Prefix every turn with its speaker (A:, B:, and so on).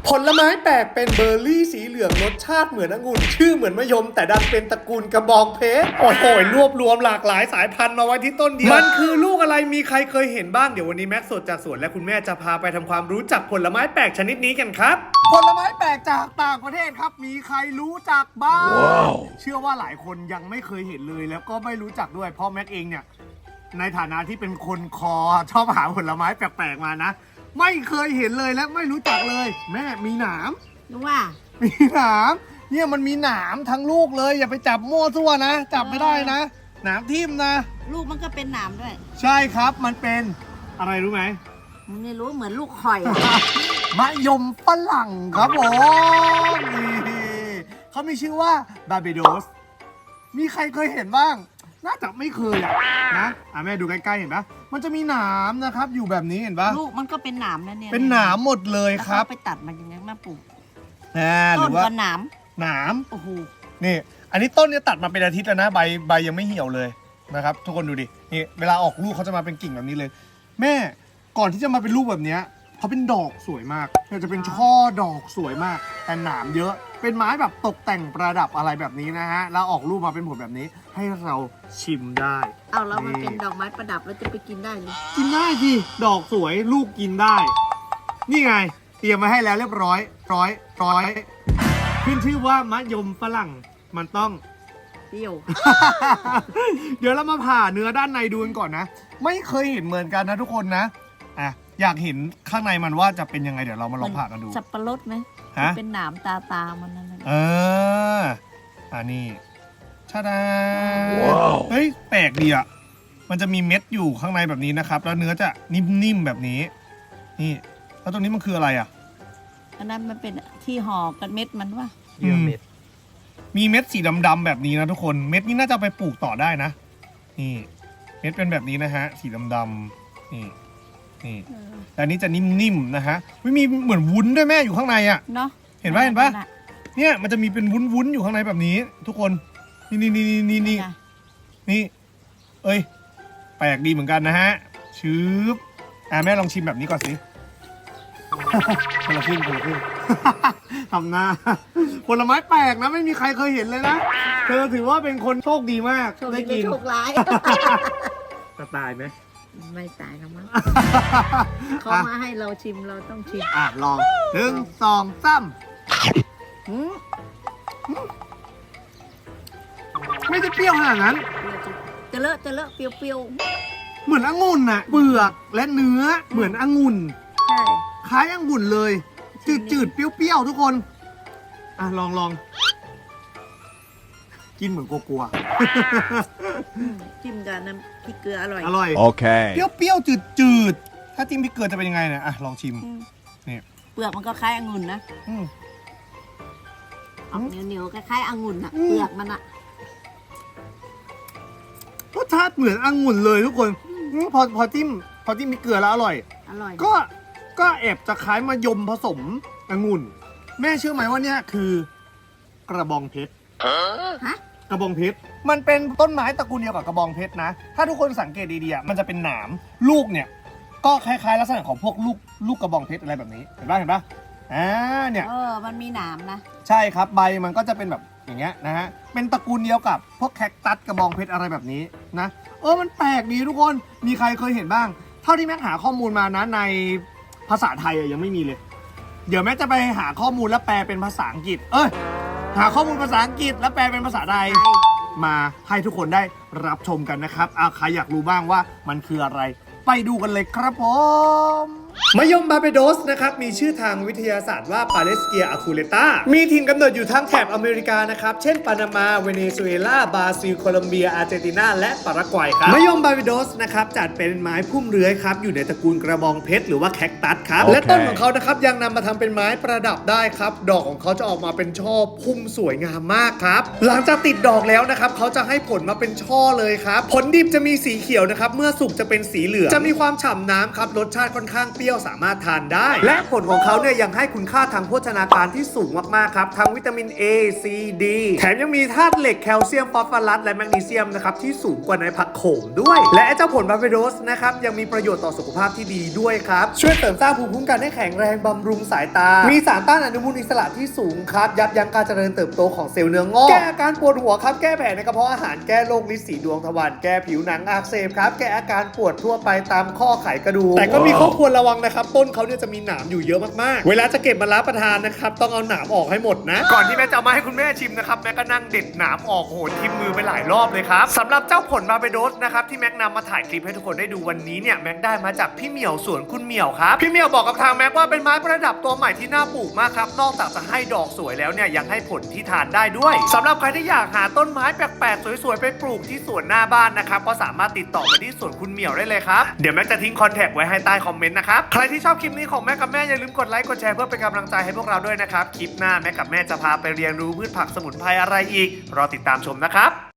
A: ผลไม้แปลกเป็นเบอร์รี่สีเหลืองรสชาติเหมือนองุ่นชื่อเหมือนมะยมแต่ดันเป็นตระกูลกระบองเพชรโอ้โหรวบรวมหลากหลายสายพันธุ์มาไว้ที่ต้นเดียวมันคือลูกอะไรมีใครเคยเห็นบ้างเดี๋ยววันนี้แม็กซ์สดจากสวนและคุณแม่จะพาไปทำความรู้จักผลไม้แปลกชนิดนี้กันครับผลไม้แปลกจากต่างประเทศครับมีใครรู้จักบ้าง wow. เชื่อว่าหลายคนยังไม่เคยเห็นเลยแล้วก็ไม่รู้จักด้วยเพราะแม็กซ์เองเนี่ยในฐานะที่เป็นคนคอชอบหาผลไม้แปลกๆมานะไม่เคยเห็นเลยและไม่รู้จักเลยแม่มีหนาม
B: รู้ว่า
A: มีหนามเนี่ยมันมีหนามทั้งลูกเลยอย่าไปจับมั่วซั่วนะจับไม่ได้นะหนามทิ่มนะ
B: ลูกมันก็เป็นหนามด้วย
A: ใช่ครับมันเป็นอะไรรู้ไหม
B: ไม่รู้เหมือนลูกข่อย
A: มะยมฝรั่งครับผมนี่เขามีชื่อว่าบาร์เบโดสมีใครเคยเห็นบ้างน่าจะไม่เคยนะแม่ดูใกล้ๆเห็นปะมันจะมีหนามนะครับอยู่แบบนี้เห็นปะ
B: ลูกมันก็เป็นหนามนะเนี่ย
A: เป็นหนามหมดเลยครับ
B: ไปตัดมันยังไงมาปลูก
A: หรือว่า
B: หนามโอ้โห
A: นี่อันนี้ต้นเนี่ยตัดมาเป็นอาทิตย์แล้วนะใบยังไม่เหี่ยวเลยนะครับทุกคนดูดินี่เวลาออกลูกเขาจะมาเป็นกิ่งแบบนี้เลยแม่ก่อนที่จะมาเป็นลูกแบบนี้เขาเป็นดอกสวยมากจะเป็นช่อดอกสวยมากแต่หนามเยอะเป็นไม้แบบตกแต่งประดับอะไรแบบนี้นะฮะแล้วออกลูกมาเป็นผลแบบนี้ให้เราชิมได้
B: เอาแล้วมันเป็นดอกไม้ประดับแล้วจะไปกินได้หรือ
A: กินได้สิดอกสวยลูกกินได้นี่ไงเตรียมมาให้แล้วเรียบร้อยขึ้นชื่อว่ามะยมฝรั่งมันต้อง
B: เปรี้ยว
A: เดี๋ยวเรามาผ่าเนื้อด้านในดูกันก่อนนะไม่เคยเห็นเหมือนกันนะทุกคนนะอยากเห็นข้างในมันว่าจะเป็นยังไงเดี๋ยวเรามาลองผ่ากันดู
B: สับปะรดไหมเป็นหนามตามันนั่น
A: นี่ชาดาเฮ้ยแปลกดีอ่ะมันจะมีเม็ดอยู่ข้างในแบบนี้นะครับแล้วเนื้อจะนิ่มๆแบบนี้นี่แล้วตรงนี้มันคืออะไรอ่ะ
B: อันนั้นมันเป็นที่ห่อกันเม็ดมันว่า
A: เยื่อเม็ดมีเม็ดสีดำๆแบบนี้นะทุกคนเม็ดนี้น่าจะไปปลูกต่อได้นะนี่เม็ดเป็นแบบนี้นะฮะสีดำๆนี่แต่อันนี้จะนิ่มๆนะฮะไม่มีเหมือนวุ้นด้วยแม่อยู่ข้างในอ่ะ
B: เนาะ
A: เห็นปะเนี่ยมันจะมีเป็นวุ้นๆอยู่ข้างในแบบนี้ทุกคนนี่เอ้ยแปลกดีเหมือนกันนะฮะชืบแม่ลองชิมแบบนี้ก่อนสิคนละครึ่งทำหน้าผลไม้แปลกนะไม่มีใครเคยเห็นเลยนะเธอถือว่าเป็นคนโชคดีมากได้กิน
B: โชคร้าย
A: จะตายไหม
B: ไม่ตายนะมั้งเขามาให้เราชิมเราต้องชิม
A: ลอง1 2 3ไม่ได้เปรี้ยวขนาดนั้น
B: จะเลอะเปรี้ยว
A: เหมือนองุ่นน่ะเปลือกและเนื้อเหมือนองุ่น
B: ใช่
A: คล้ายองุ่นเลยจืดเปรี้ยวทุกคนลองกินเหมือนกลัว
B: จิ้มกับน้ำพริกเกลืออ
A: ร่อย
C: โอเค
A: เปรี้ยวจืดถ้าจิ้มพริกเกลือจะเป็นยังไงเนี่ยลองชิมนี่
B: เปลือกมันก็คล้ายองุ่นนะเหนียวคล้ายองุ่นอะเปลือกมันอะ
A: รสชาติเหมือนองุ่นเลยทุกคนพอจิ้มพริกเกลือแล้วอร่อยก็แอบจะคล้ายมะยมผสมองุ่นแม่เชื่อไหมว่าเนี่ยคือกระบองเพชรกระบองเพชรมันเป็นต้นไม้ตระกูลเดียวกับกระบองเพชรนะถ้าทุกคนสังเกตดีๆมันจะเป็นหนามลูกเนี่ยก็คล้ายๆลักษณะของพวกลูกกระบองเพชรอะไรแบบนี้เห็นปะเนี่ย
B: มันมีหนามนะ
A: ใช่ครับใบมันก็จะเป็นแบบอย่างเงี้ยนะฮะเป็นตระกูลเดียวกับพวกแคคตัสกระบองเพชรอะไรแบบนี้นะมันแปลกดีทุกคนมีใครเคยเห็นบ้างเท่าที่แม็กหาข้อมูลมานะในภาษาไทยยังไม่มีเลยเดี๋ยวแม็กจะไปหาข้อมูลแล้วแปลเป็นภาษาอังกฤษหาข้อมูลภาษาอังกฤษแล้วแปลเป็นภาษาไทยมาให้ทุกคนได้รับชมกันนะครับใครอยากรู้บ้างว่ามันคืออะไรไปดูกันเลยครับผมมะยมบาร์เบโดสนะครับมีชื่อทางวิทยาศาสตร์ว่าปาเลสเกียอะคูเลตามีถิ่นกำเนิดอยู่ทั้งแถบอเมริกานะครับเช่นปานามาเวเนซุเอลาบราซิลโคลอมเบียอาร์เจนตินาและปารากวัยครับมะยมบาร์เบโดสนะครับจัดเป็นไม้พุ่มเลื้อยครับอยู่ในตระกูลกระบองเพชรหรือว่าแคคตัสครับและต้นของเขานะครับยังนำมาทำเป็นไม้ประดับได้ครับดอกของเขาจะออกมาเป็นช่อพุ่มสวยงามมากครับหลังจากติดดอกแล้วนะครับเขาจะให้ผลมาเป็นช่อเลยครับผลดิบจะมีสีเขียวนะครับเมื่อสุกจะเป็นสีเหลืองจะมีความฉ่ำน้ำครับรสชาติค่อนข้างเปรี้ยวรี้ยวสามารถทานได้ และผลของเขาเนี่ยยังให้คุณค่าทางโภชนาการที่สูงมากๆครับทั้งวิตามิน A C D แถมยังมีธาตุเหล็กแคลเซียมฟอสฟอรัสและแมกนีเซียมนะครับที่สูงกว่าในผักโขมด้วย และเจ้าผลบาร์เบโดสนะครับยังมีประโยชน์ต่อสุขภาพที่ดีด้วยครับช่วยเสริมสร้างภูมิคุ้มกันให้แข็งแรงบำรุงสายตามีสารต้านอนุมูลอิสระที่สูงครับยับยั้งการเจริญเติบโตของเซลล์เนื้องอกแก้อาการปวดหัวครับแก้แผลในกระเพาะอาหารแก้โรคลิ้นสีดวงทวารแก้ผิวหนังอักเสบครับแก้อาการปวดทั่วไปตามข้อไขกระดูกแต่ก็มีข้อควรระวังนะครับต้นเขาเนี่ยจะมีหนามอยู่เยอะมากๆเวลาจะเก็บมารับประทานนะครับต้องเอาหนามออกให้หมดนะก่อนที่แม่จะเอามาให้คุณแม่ชิมนะครับแม่ก็นั่งเด็ดหนามออกโหนทิ่มมือไปหลายรอบเลยครับสำหรับเจ้าผลบาร์เบโดสนะครับที่แม็กนำมาถ่ายคลิปให้ทุกคนได้ดูวันนี้เนี่ยแม็กได้มาจากพี่เหมียวสวนคุณเหมียวครับพี่เหมียวบอกกับทางแม็กว่าเป็นไม้ประดับตัวใหม่ที่น่าปลูกมากครับนอกจากจะให้ดอกสวยแล้วเนี่ยยังให้ผลที่ทานได้ด้วยสำหรับใครที่อยากหาต้นไม้แปลกๆสวยๆไปปลูกที่สวนหน้าบ้านนะครับก็สามารถติดต่อไปที่สวนคุณเหมียวได้เลยครับเดี๋ยวแม็กจะทิ้งคอนแทคไว้ให้ใต้คอมเมนต์นะครับใครที่ชอบคลิปนี้ของแม่กับแม่อย่าลืมกดไลค์กดแชร์เพื่อเป็นกำลังใจให้พวกเราด้วยนะครับคลิปหน้าแม่กับแม่จะพาไปเรียนรู้พืชผักสมุนไพรอะไรอีกรอติดตามชมนะครับ